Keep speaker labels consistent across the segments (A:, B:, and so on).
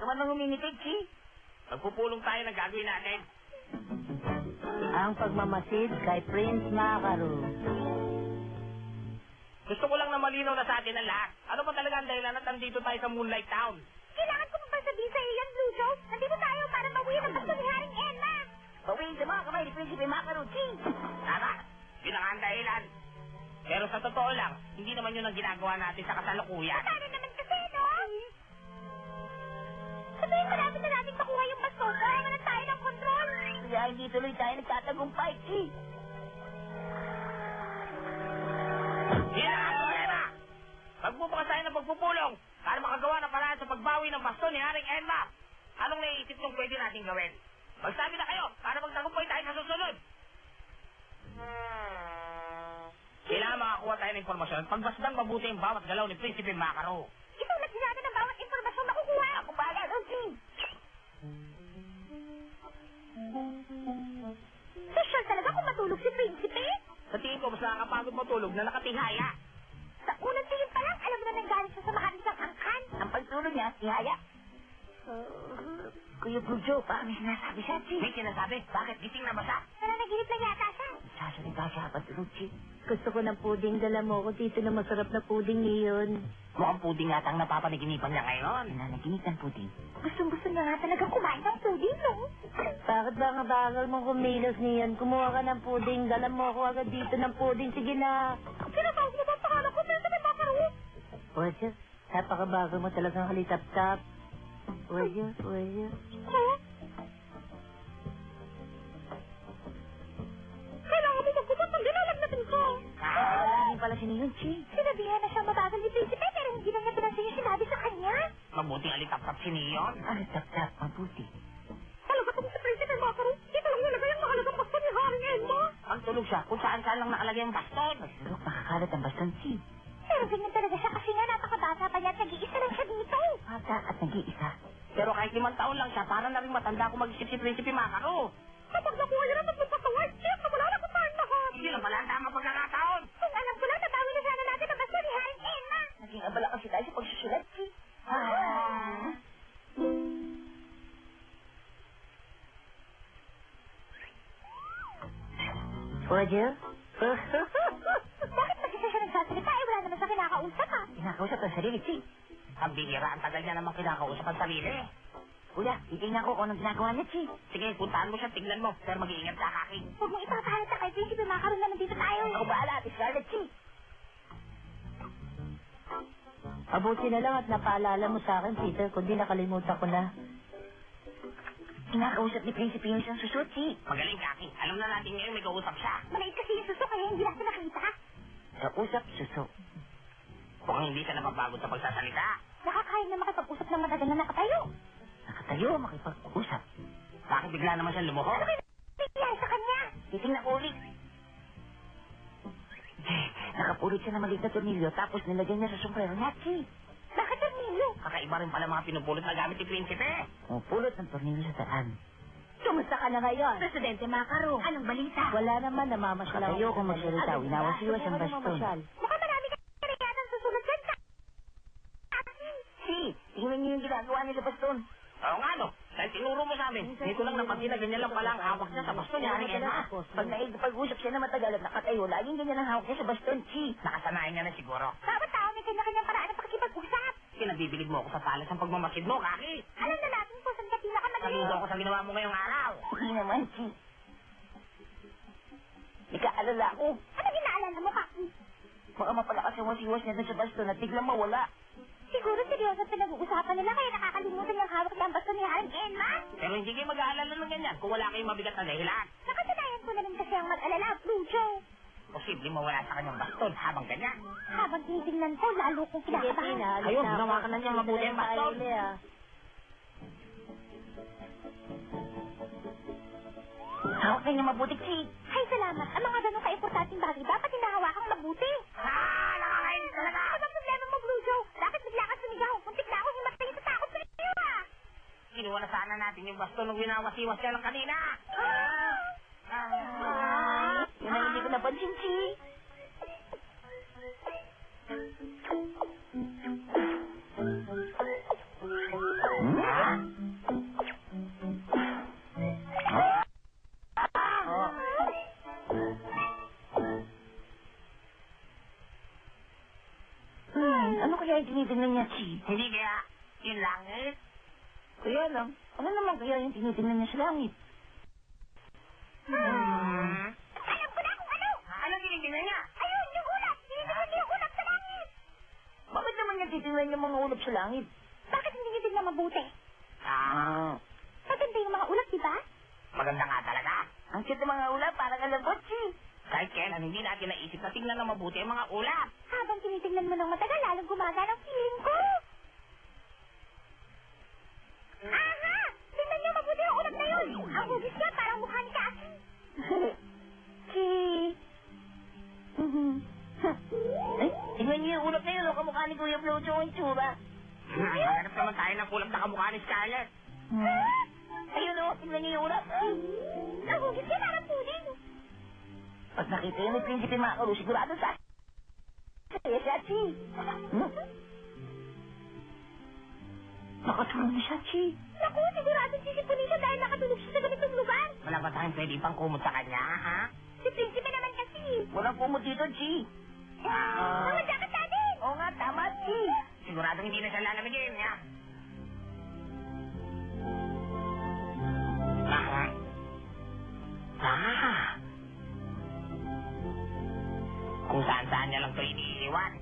A: ka man nang humingitig, Chi.
B: Magpupulong tayo ng gagawin natin.
C: Ang pagmamasid kay Prince Macaro.
B: Gusto ko lang na malinaw na sa atin ang lahat. Ano ba talaga ang dahilan at nandito tayo sa Moonlight Town?
D: Kailangan ko pa sabihin sa iyo yan, Blue Joe. Nandito tayo para bawiin ang basto ni Haring Emma.
A: Bawiin sa mga kamay ni Prinsipe Macaro, Chi.
B: Tama, yun ang dahilan. Pero sa totoo lang, hindi naman yun ang ginagawa natin sa kasalukuyan.
D: Paano naman kasi, no? Sabihin ko natin na natin makuha yung basto. Kaya na tayo ng kontrol.
A: Kaya hindi tuloy tayo nagtatagumpay, Chi.
B: Yan ang problema! Magbubukas tayo ng pagpupulong para makagawa ng paraan sa pagbawi ng basto ni Haring Emma. Anong naiisip nung pwede natin gawin? Magsabi na kayo para magtagumpay tayo sa susunod. Kailangan makakuha tayo ng informasyon at pagbasdang mabuti ang bawat galaw ni Prinsipe Macaro.
D: Itulat din natin ang bawat informasyon makukuha.
A: Ako bahala doon, Chi.
D: Social talaga kung matulog si Prinsipe.
B: Sa tingin ko, mas nakakapagod matulog na nakatihaya.
D: Sa unang tingin pa lang, alam mo na nanggaling siya sa makanisang angkan.
A: Ang pagtulog niya, si Haya. Kuya Blue Joe, parang may sinasabi siya, Chi.
B: May sinasabi, bakit gising na ba siya?
D: Nananaginip lang yata siya.
A: Sasalita siya habang tulog, Chi.
C: Gusto ko ng puding. Dala mo ko dito na masarap na puding ngayon.
B: Mukhang puding yata ang napapanaginipan niya ngayon.
A: Nananaginip ng puting.
D: Gustong-gusto niya nga talaga kumain ng puding, no?
C: Bakit ba nga bagal mong kumilos niyan? Kumuha ka ng puding. Dala mo ako agad dito ng puding. Sige na.
D: Pinatawag mo ba ang pangalan ko? Prinsipe Macaro?
C: Oye, napakabagal mo talagang halitap-tap. Oye.
D: Huh? Kailangan mo magbukas ng dinalag natin ko.
A: Wala pala si Niyon, Chi.
D: Sinabihan na siyang mabagal ni Prinsipe pero hindi na niya pinansin yung sinabi sa kanya.
B: Mabuting alitap-tap si Neon.
A: Ano, tap-tap, mabuti.
D: Talaga kung si Prinsipe Macaro, dito lang nilagay ang mahalagang basto ni Haring Emma.
B: Pagtulog siya, kung saan-saan lang nakalagay ang baston.
A: Siguro makakalat ang baston, Chi.
D: Pero ganyan talaga siya kasi nga napakabata pa niya at nag-iisa lang siya dito.
A: Bata at nag-iisa.
B: Pero kahit 5 taon lang siya, para na rin matanda kung mag-isip si Prinsipe Macaro.
D: Kapag nakuha niya naman magpapawag, siya na wala na kung saan lahat.
B: Hindi lang pala ang tamang pagkakataon.
D: Kung alam ko lang, nabawi na sana natin ang basto ni Haring Emma.
A: Naging abala kasi tayo sa pagsusulat, Chi.
C: Oye?
D: Bakit kasi siya nagsasalita? Eh, wala naman siya kinakausap, ha?
A: Kinakausap ang sarili, Chi.
B: Ang bihira, ang tagal niya naman kinakausap ang sarili.
A: Kuya, titingnan ko kung anong ginagawa niya, Chi.
B: Sige, puntahan mo siya, tignan mo. Pero mag-iingat ka, Kaki.
D: Huwag mong ipapahalata kay Prinsipe Macaro na nandito tayo.
A: Ako bahala, Ate Scarlett, Chi.
C: Mabuti na lang at napaalala mo sa akin, Peter, kundi nakalimutan ko na.
A: Kinakausap ni Prinsipe yung isang susot, Chi.
B: Magaling, Kaki. Alam na natin ngayon may kausap siya.
D: Maliit kasi yung suso kaya hindi natin nakita.
A: Kausap, susot.
B: Mukhang hindi siya napapagod sa pagsasalita.
D: Nakakain na makipag-usap ng matagal na nakatayo.
A: Nakatayo, makipag-usap.
B: Bakit bigla naman siya lumuho?
D: Ano kayo nangyayari sa kanya?
A: Titingnan ko ulit. Nakapulot siya ng maliit na tornilyo tapos nilagyan niya sa sombrero niya, Chi.
D: Bakit ang nilo?
B: Kakaiba rin pala mga pinupulot na gamit ni Prinsipe.
A: Pumupulot ng tornilyo sa daan.
C: Kumusta ka na ngayon?
D: Presidente Macaro, anong balita?
C: Wala naman, namamasyal ako.
A: Nakatayo kung magsalita, winawas-iwas ang baston.
D: Mukhang marami ka rin yata ang susunod dyan sa...
A: Si, tingnan niyo yung ginagawa nila baston.
B: Oo nga, no. Dahil tinuro mo sa amin. Dito lang napansin na ganyan lang pala ang hawak niya sa baston ni Haring Emma.
A: Pag naigpag-usap siya na matagal at nakatayo, laging ganyan ang hawak niya sa baston, Chi.
B: Nakasanayan niya na siguro.
D: Bawat tao may kanya-kanyang paraan ng pakikipag-usap.
B: Kinabibilig mo ako sa talas ng pagmamasid mo, Kaki.
D: Alam na natin kung saan ka pinakamagaling.
B: Saludo ako sa ginawa mo ngayong araw.
A: Hindi naman, Chi. Ikaalala ko.
D: Ano ginaalala mo, Kaki?
A: Baka mapalakas ang wasiwas niya dun sa baston at biglang mawala.
D: Siguro seryoso pinag-uusapan nila kaya nakakalimutan yung hawak ng basto ni Haring Emma.
B: Pero hindi kayo mag-aalala ng ganyan kung wala kayong mabigat na dahilan.
D: Nakasanayan ko na rin kasi ang mag-alala, Blue Joe.
B: Posible mawala sa kanyang baston habang ganyan.
D: Habang titignan ko, lalo kong
C: Sige,
D: kinakabahan.
C: Tina.
B: Ayun, ginawa ka na niya mabuti ang baston.
A: Hawak na niya mabuti, Chi.
D: Ay, salamat. Ang mga ganun ka-importanting bagay, dapat hinahawakang mabuti.
B: Nakakainis talaga!
D: Ano ang problema mo, Blue Joe? Bakit bigla ka sumigaw? Muntik na ako himatay sa takot sa iyo, ah!
B: Kinuha na sana natin yung baston nung winawasiwas siya lang kanina.
A: Yun ang hindi ko napansin, Chi. kaya yung tinitingnan niya, Chi?
B: Hindi kaya yung langit?
A: Kaya lang, ano naman kaya yung tinitingnan niya sa langit?
D: Alam ko na kung ano!
B: Ano tinitingnan niya?
D: Ayun, yung ulap! Tinitingnan niya yung ulap sa langit!
A: Bakit naman niya titingnan yung mga ulap sa langit?
D: Bakit hindi niyo tignan mabuti? Maganda yung mga ulap, di ba?
B: Maganda nga talaga.
A: Ang cute ng mga ulap, parang alabot, Chi.
B: Kahit kailan hindi natin naisip na tingnan na mabuti ang mga ulap.
D: Habang tinitingnan mo ng matagal, lalong gumagana ang feeling ko. Aha! Tingnan niyo mabuti yung ulap na yun! Ang hugis niya parang mukha ni Cassie.
A: Chi. Ay, tingnan niyo yung ulap na yun, o kamukha ni Kuya Flojo ang tsura.
B: Hanap naman tayo ng ulap na kamukha ni Scarlett.
A: Ayun o, tingnan niyo yung ulap.
D: Ang hugis niya parang puding.
A: Pag nakita yun ni Prinsipe Makaru, sigurado sa... Kaya siya, Chi. Nakatulog na siya, Chi.
D: Naku, sigurado sisipunin siya dahil nakatulog siya sa ganitong lugar.
B: Wala ba tayong pwede pang kumot sa kanya, ha?
D: Si Prinsipe naman kasi.
A: Walang kumot dito, Chi.
D: Mga jacket natin!
A: Oo nga, tama, Chi.
B: Siguradong hindi na siya lalamigin, ha? Kung saan-saan niya lang ito iniiwan.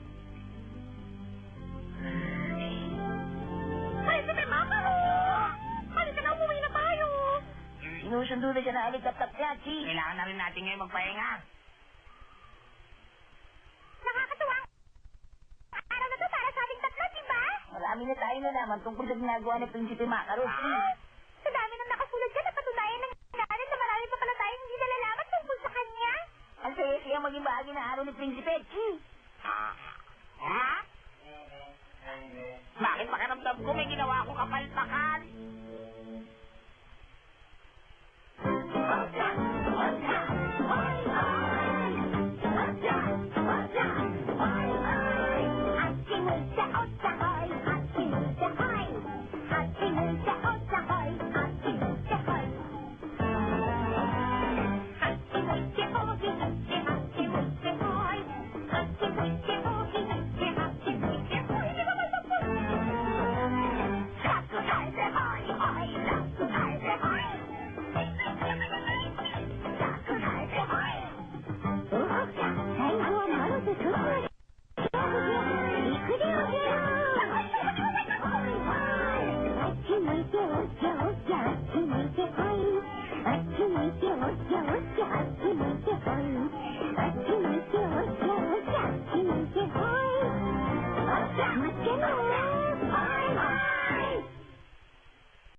D: Prinsipe Makaru! Halika na, umuwi na tayo!
A: Sinusundo na siya na alikap-tap niya, Chi.
B: Kailangan na rin natin ngayon magpahinga.
D: Nakakatuwa ang araw na to para sa ating tatlo, di ba?
A: Marami na tayo nalaman tungkol sa ginagawa ni Prinsipe Makaru, Chi.
D: Sa dami ng nakasulat dyan, napatunayan ng natin na marami pa pala tayong hindi nalalaman tungkol sa kanya.
A: Ang saya-saya maging bahagi ng araw ni Prinsipe, Chi.
B: Ha? Bakit pakiramdam ko may ginawa akong kapalpakan?